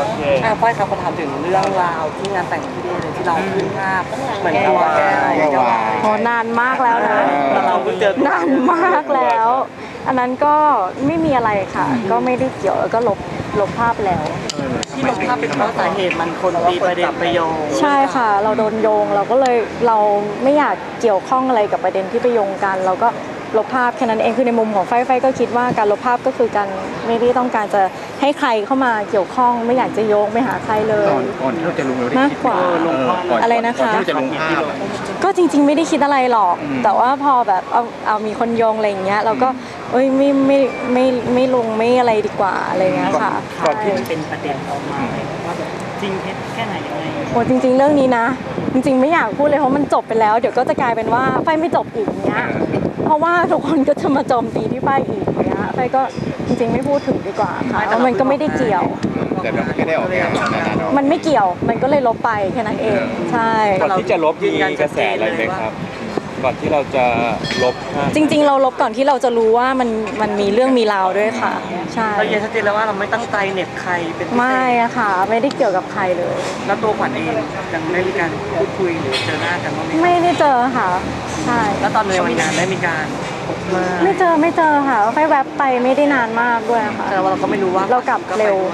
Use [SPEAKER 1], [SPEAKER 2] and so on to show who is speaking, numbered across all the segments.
[SPEAKER 1] เค
[SPEAKER 2] ฝ้ายครับขอถามถึงเรื่องราวที่งานแต่งพี่เดย์เลยที่เราขึ้นภาพเหมือนตัวแก้ววาย
[SPEAKER 3] โอ้นานมากแล้วนะ
[SPEAKER 2] แต่เราเพิ่งเจอ
[SPEAKER 3] นานมากแล้ว อันนั้นก็ไม่มีอะไรค่ะ ก็ไม่ได้เกี่ยวแล้วก็ลบภาพแล้ว
[SPEAKER 2] ที่ลงภาพเป็นเพราะสาเหตุมันคนตีประเด็นไปโยง
[SPEAKER 3] ใช่ค่ะ เราโดนโยงเราก็เลยเราไม่อยากเกี่ยวข้องอะไรกับประเด็นที่ไปโยงกันเราก็ลบภาพแค่นั้นเองคือในมุมของไฟก็คิดว่าการลบภาพก็คือการไม่ได้ต้องการจะให้ใครเข้ามาเกี่ยวข้องไม่อยากจะโยงไม่หาใครเลย
[SPEAKER 1] ก่อนที่เราจะลงเราได้
[SPEAKER 3] มาก
[SPEAKER 1] คิด
[SPEAKER 3] กว่า อะไรนะคะ
[SPEAKER 1] ก่อนที่เราจะลงภาพอะ
[SPEAKER 3] ก็จริงๆไม่ได้คิดอะไรหรอก แต่ว่าพอแบบเอามีคนโยงอะไรอย่างเงี้ยเราก็เอ้ยไม่ลงไม่อะไรดีกว่าอะไรเงี้ยค่ะ
[SPEAKER 2] ก่อนที่มันเป็นประเด็นออกมาว่าแบบจริงเท็จแค่ไหนยังไง
[SPEAKER 3] โอ้จริงๆเรื่องนี้นะ จริงๆไม่อยากพูดเลยเพราะมันจบไปแล้วเดี๋ยวก็จะกลายเป็นว่าไฟไม่จบอีกเงี้ยเพราะว่าทุกคนก็จะมาโจมตีที่ไฟอีกเงี้ยไฟก็จริงๆไม่พูดถึงดีกว่าค่ะเพราะมันก็ไม่ได้เกี่ยว
[SPEAKER 1] แต่เราไม่ได้ออกงานนะเนาะ
[SPEAKER 3] มันไม่เกี่ยวมันก็เลยลบไปแค่นั้นเองใช่
[SPEAKER 4] ก่อนที่จะลบมีกระแสอะไรไหมครับ ก่อนที่เราจะลบภาพ
[SPEAKER 3] จริงๆเราลบก่อนที่เราจะรู้ว่ามันมีเรื่องมีราวด้วยค่ะใช่
[SPEAKER 2] เราเย็นชัดเจนแล้วว่าเราไม่ตั้งใจเหน็บใครเป็นพิเศษ
[SPEAKER 3] ไม่อะค่ะ ไม่ได้เกี่ยวกับใครเลย
[SPEAKER 2] แล้วตัวขวัญเองยังได้มีการพูดคุยหรือเจอหน้ากันบ้างไหม
[SPEAKER 3] ไม่ได้เจอค่ะใช่
[SPEAKER 2] แล้วตอนในวันงานได้มีการพบมา
[SPEAKER 3] ไม่เจอค่ะไฟแวบไปไม่ได้นานมากด้วยค่ะ
[SPEAKER 2] แต่ว่าเราก็ไม่รู้ว่า
[SPEAKER 3] เรากลับเร็ว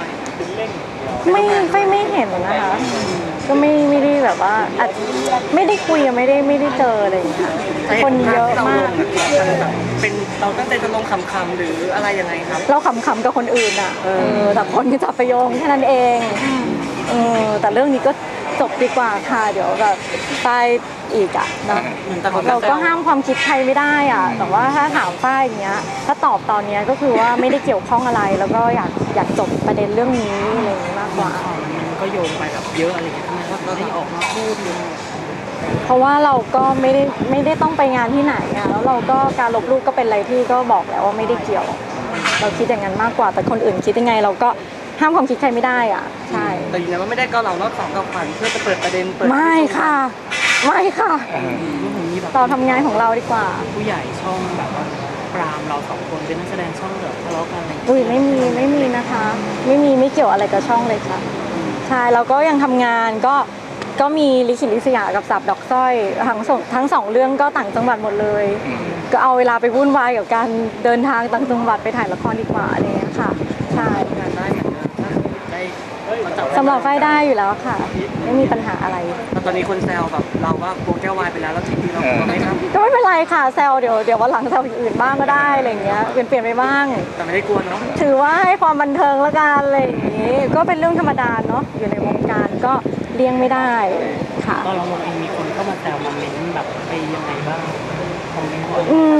[SPEAKER 3] ไม่เห็นนะคะ ก็ไม่ได้แบบว่าอาจไม่ได้คุยไม่ได้เจออะไรอย่างเงี้ยคนเยอะมาก
[SPEAKER 2] มันแบบเป็นเราตั้งใจจะลงคำๆหรืออะไรยังไงครับ
[SPEAKER 3] เราขำๆกับคนอื่นอ่ะแต่คนก็จับไปโยงแค่นั้นเองแต่เรื่องนี้ก็จบดีกว่าค่ะเดี๋ยวแบบตายอีกอ่ะเนาะ
[SPEAKER 2] แต่คน
[SPEAKER 3] เราก็ห้ามความคิดใครไม่ได้อ่ะแต่ว่าถ้าถามป้ายอย่างเงี้ยถ้าตอบตอนเนี้ยก็คือว่าไม่ได้เกี่ยวข้องอะไร แล้วก็อยากจบประเด็นเรื่องนี้อะไรอย่างงี้มากกว่า
[SPEAKER 2] มันก็โยงไปแบบเยอะอะไรอย่างเงี้ยทำไมว่าเราที่ออกมาพูดเลย
[SPEAKER 3] เพราะว่าเราก็ไม่ได้ต้องไปงานที่ไหนอ่ะแล้วเราก็การลบรูปก็เป็นอะไรที่ก็บอกแล้วว่าไม่ได้เกี่ยว เราคิดอย่างนั้นมากกว่าแต่คนอื่นคิดยังไงเราก็ห้ามความคิดใครไม่ได้อ่ะใช่
[SPEAKER 2] แต่ยืนยันว่าไม่ได้เกาเหลารอบสองกับขวัญเพื่อจะเปิดประเด็นเปิด
[SPEAKER 3] ไม่ค่ะไม่ค่ะ
[SPEAKER 2] มีแบบ
[SPEAKER 3] เราทำงานของเราดีกว่า
[SPEAKER 2] ผู้ใหญ่ช่องแบบว่าปรามเราสองคนเป็นนักแสดงช่องแบบทะเลาะกันอะไรอย่างเงี้ย
[SPEAKER 3] อุ้ยไม่มีนะคะ ไม่เกี่ยวอะไรกับช่องเลยค่ะใช่เราก็ยังทำงานก็มีลิขิตลิศยากับสับดอกสร้อยทั้งสองเรื่องก็ต่างจังหวัดหมดเลย ก็เอาเวลาไปวุ่นวายกับการเดินทางต่างจังหวัดไปถ่ายละครดีกว่าอะไรอย่างเงี้ยค่ะใช่
[SPEAKER 2] งานได้เหมือนเดิมถ้าได้มาจับ
[SPEAKER 3] สำหรับไฟได้อยู่แล้วค่ะ ไม่มีปัญหาอะไร
[SPEAKER 2] แต่ตอนนี้คนแซวแบบเราว่าโกแก้ววายไปแล้วแล้วจริงๆเราก็ไม่ทำ
[SPEAKER 3] ก็ไม่เป็นไรค่ะแซวเดี๋ยววันหลังแซวอย่างอื่นบ้างก็ได้อะไรอย่างเงี้ยเปลี่ยนไปบ้าง
[SPEAKER 2] แต่ไม่ได้กลัวเนาะ
[SPEAKER 3] ถือว่าให้ความบันเทิงละกันอะไรอย่างงี้ก็เป็นเรื่องธรรมดาเนาะอยู่ในวงการก็เลี่ยงไม่ได้ค่ะ
[SPEAKER 2] ตอนเราลงเองมีคนเข้ามาแซวมาเม้นแบบไปยังไงบ้างคอมเมนต์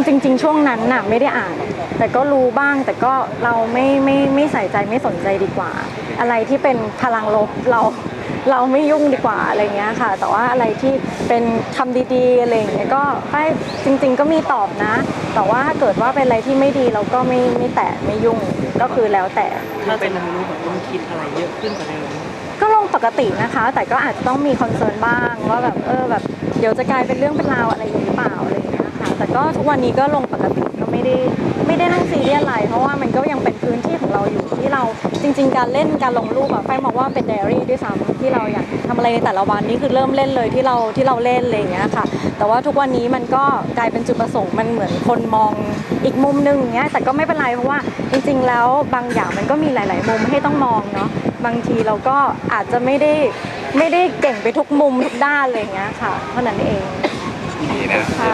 [SPEAKER 3] จริงๆช่วงนั้นน่ะไม่ได้อ่าน แต่ก็รู้บ้างแต่ก็เราไม่ใส่ใจไม่สนใจดีกว่า อะไรที่เป็นพลังลบเราไม่ยุ่งดีกว่าอะไรเงี้ยค่ะ แต่ว่าอะไรที่เป็นคำดีๆอะไรอย่างเงี้ยก็จริงๆก็มีตอบนะ แต่ว่าถ้าเกิดว่าเป็นอะไรที่ไม่ดีเราก็ไม่แตะไม่ยุ่งก็คือแล้วแต่
[SPEAKER 2] ถ้าเป็นรู้แบบต้องคิดอะไรเยอะขึ้นกว่าเดิม
[SPEAKER 3] ก็ลงปกตินะคะ แต่ก็อาจจะต้องมีคอนเซิร์นบ้างว่าแบบแบบเดี๋ยวจะกลายเป็นเรื่องเป็นราวอะไรอย่างนี้หรือเปล่าอะไรอย่างเงี้ยค่ะแต่ก็ทุกวันนี้ก็ลงปกติก็ไม่ได้นั่งซีเรียสอะไรเพราะว่ามันก็ยังเป็นพื้นที่ของเราอยู่ที่เราจริงๆการเล่นการลงรูปอะไฟมองว่าเป็นไดอารี่ด้วยซ้ำที่เราอยากทำอะไรในแต่ละวันนี่คือเริ่มเล่นเลยที่เราเล่นอะไรอย่างเงี้ยค่ะ แต่ว่าทุกวันนี้มันก็กลายเป็นจุดประสงค์มันเหมือนคนมองอีกมุมนึงอย่างเงี้ยแต่ก็ไม่เป็นไรเพราะว่าจริงๆแล้วบางอย่างมันก็มีหลายๆมุมให้ต้องมองเนาะบางทีเราก็อาจจะไม่ได้เก่งไปทุกมุมทุกด้านอะไรอย่างเงี้ยค่ะเท่านั้นเอง
[SPEAKER 1] นี่นะ
[SPEAKER 3] ค่ะ